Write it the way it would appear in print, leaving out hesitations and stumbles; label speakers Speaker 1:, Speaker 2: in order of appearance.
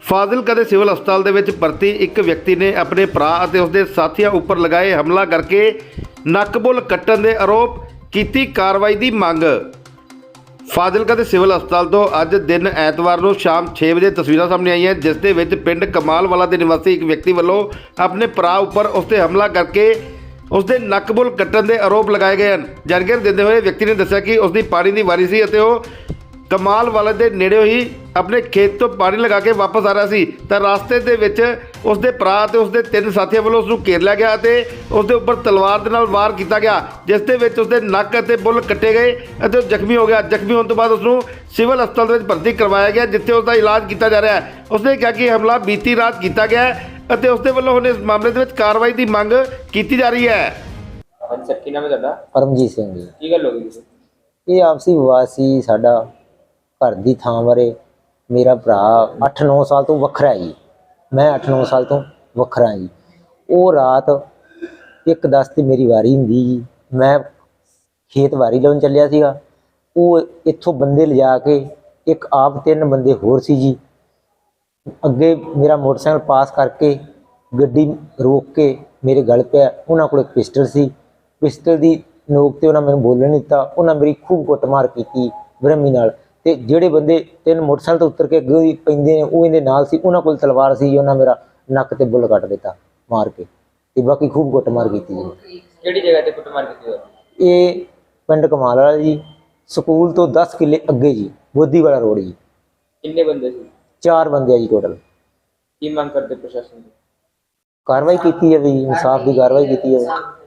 Speaker 1: ਫਾਜ਼ਿਲਕਾ ਦੇ ਸਿਵਲ ਹਸਪਤਾਲ ਦੇ ਵਿੱਚ ਭਰਤੀ ਇੱਕ ਵਿਅਕਤੀ ਨੇ ਆਪਣੇ ਭਰਾ ਅਤੇ ਉਸਦੇ ਸਾਥੀਆਂ ਉੱਪਰ ਲਗਾਏ ਹਮਲਾ ਕਰਕੇ ਨੱਕ-ਬੁੱਲ ਕੱਟਣ ਦੇ ਆਰੋਪ ਕੀਤੀ ਕਾਰਵਾਈ ਦੀ ਮੰਗ। ਫਾਜ਼ਿਲਕਾ ਦੇ ਸਿਵਲ ਹਸਪਤਾਲ ਤੋਂ ਅੱਜ ਦਿਨ ਐਤਵਾਰ ਨੂੰ ਸ਼ਾਮ 6 ਵਜੇ ਤਸਵੀਰਾਂ ਸਾਹਮਣੇ ਆਈਆਂ ਜਿਸ ਦੇ ਵਿੱਚ ਪਿੰਡ ਕਮਾਲਵਾਲਾ ਦੇ ਨਿਵਾਸੀ ਇੱਕ ਵਿਅਕਤੀ ਵੱਲੋਂ ਆਪਣੇ ਭਰਾ ਉੱਪਰ ਉਸ 'ਤੇ ਹਮਲਾ ਕਰਕੇ ਉਸ ਦੇ ਨੱਕ-ਬੁੱਲ ਕੱਟਣ ਦੇ ਆਰੋਪ ਲਗਾਏ ਗਏ ਹਨ। ਜਾਣਕਾਰੀ ਦਿੰਦੇ ਹੋਏ ਵਿਅਕਤੀ ਨੇ ਦੱਸਿਆ ਕਿ ਉਸ ਦੀ ਪਾਣੀ ਦੀ ਵਾਰੀ ਸੀ ਅਤੇ ਉਹ ਕਮਾਲਵਾਲਾ ਦੇ ਨੇੜਿਓਂ ਹੀ ਆਪਣੇ ਖੇਤ ਤੋਂ ਪਾਣੀ ਲਗਾ ਕੇ ਵਾਪਸ ਆ ਰਿਹਾ ਸੀ ਤਾਂ ਰਸਤੇ ਦੇ ਵਿੱਚ ਉਸ ਦੇ ਭਰਾ ਅਤੇ ਉਸ ਦੇ 3 ਸਾਥੀਆਂ ਵੱਲੋਂ ਉਸ ਨੂੰ ਘੇਰ ਲਿਆ ਗਿਆ ਅਤੇ ਉਸ ਦੇ ਉੱਪਰ ਤਲਵਾਰ ਦੇ ਨਾਲ ਵਾਰ ਕੀਤਾ ਗਿਆ ਜਿਸ ਦੇ ਵਿੱਚ ਉਸ ਦੇ ਨੱਕ ਅਤੇ ਬੁੱਲ ਕੱਟੇ ਗਏ ਅਤੇ ਉਹ ਜ਼ਖਮੀ ਹੋ ਗਿਆ। ਜ਼ਖਮੀ ਹੋਣ ਤੋਂ ਬਾਅਦ ਉਸ ਨੂੰ ਸਿਵਲ ਹਸਪਤਾਲ ਦੇ ਵਿੱਚ ਭਰਤੀ ਕਰਵਾਇਆ ਗਿਆ ਜਿੱਥੇ ਉਸ ਦਾ ਇਲਾਜ ਕੀਤਾ ਜਾ ਰਿਹਾ ਹੈ। ਉਸ ਨੇ ਕਿਹਾ ਕਿ ਹਮਲਾ ਬੀਤੀ ਰਾਤ ਕੀਤਾ ਗਿਆ ਹੈ ਅਤੇ ਉਸ ਦੇ ਵੱਲੋਂ ਹੁਣ ਇਸ ਮਾਮਲੇ ਦੇ ਵਿੱਚ ਕਾਰਵਾਈ ਦੀ ਮੰਗ ਕੀਤੀ ਜਾ ਰਹੀ ਹੈ।
Speaker 2: ਹਾਂਜੀ ਸਰ, ਕੀ ਨਾਮ ਹੈ ਤੁਹਾਡਾ?
Speaker 3: ਪਰਮਜੀਤ ਸਿੰਘ ਜੀ।
Speaker 2: ਕੀ ਗੱਲ ਹੋ ਗਈ ਜੀ?
Speaker 3: ਇਹ ਆਪਸੀ ਵਿਵਾਦ ਸੀ ਸਾਡਾ ਘਰ ਦੀ ਥਾਂ ਬਾਰੇ। ਮੇਰਾ ਭਰਾ 8-9 ਸਾਲ ਤੋਂ ਵੱਖਰਾ ਜੀ, ਮੈਂ 8-9 ਸਾਲ ਤੋਂ ਵੱਖਰਾ ਜੀ। ਉਹ ਰਾਤ 1:10 ਤੇ ਮੇਰੀ ਵਾਰੀ ਹੁੰਦੀ ਜੀ, ਮੈਂ ਖੇਤ ਵਾਰੀ ਲਾਉਣ ਚੱਲਿਆ ਸੀਗਾ। ਉਹ ਇੱਥੋਂ ਬੰਦੇ ਲਿਜਾ ਕੇ ਇੱਕ ਆਪ 3 ਬੰਦੇ ਹੋਰ ਸੀ ਜੀ, ਅੱਗੇ ਮੇਰਾ ਮੋਟਰਸਾਈਕਲ ਪਾਸ ਕਰਕੇ ਗੱਡੀ ਰੋਕ ਕੇ ਮੇਰੇ ਗਲ ਪਿਆ। ਉਹਨਾਂ ਕੋਲ ਇੱਕ ਪਿਸਟਲ ਸੀ, ਪਿਸਟਲ ਦੀ ਨੋਕ ਤੇ ਉਹਨਾਂ ਮੈਨੂੰ ਬੋਲਣ ਨਹੀਂ ਦਿੱਤਾ। ਉਹਨਾਂ ਮੇਰੀ ਖੂਬ ਕੁੱਟਮਾਰ ਕੀਤੀ ਬਰਹਮੀ ਨਾਲ। ਤੇ ਜਿਹੜੇ ਬੰਦੇ 3 ਮੋਟਰਸਾਈਕਲ ਤੋਂ ਉੱਤਰ ਕੇ ਅੱਗੇ ਪੈਂਦੇ ਨੇ ਉਹ ਇਹਦੇ ਨਾਲ ਸੀ, ਉਹਨਾਂ ਕੋਲ ਤਲਵਾਰ ਸੀ। ਉਹਨਾਂ ਮੇਰਾ ਨੱਕ ਤੇ ਬੁੱਲ ਕੱਟ ਦਿੱਤਾ ਮਾਰ ਕੇ ਤੇ ਬਾਕੀ ਖੂਬ ਕੁੱਟਮਾਰ ਕੀਤੀ ਜੀ।
Speaker 2: ਕਿਹੜੀ ਜਗ੍ਹਾ ਤੇ ਕੁੱਟਮਾਰ ਕੀਤੀ ਹੋਈ?
Speaker 3: ਇਹ ਪਿੰਡ ਕਮਾਲ ਵਾਲਾ ਜੀ, ਸਕੂਲ ਤੋਂ 10 ਕਿੱਲੇ ਅੱਗੇ ਜੀ, ਬੋਦੀ ਵਾਲਾ ਰੋਡ ਜੀ।
Speaker 2: ਕਿੰਨੇ ਬੰਦੇ ਸੀ?
Speaker 3: 4 ਬੰਦੇ ਆ ਜੀ ਟੋਟਲ।
Speaker 2: ਕੀ ਮੰਗ ਕਰਦੇ ਪ੍ਰਸ਼ਾਸਨ ਦੀ?
Speaker 3: ਕਾਰਵਾਈ ਕੀਤੀ ਜਾਵੇ ਜੀ, ਇਨਸਾਫ ਦੀ ਕਾਰਵਾਈ ਕੀਤੀ ਜਾਵੇ।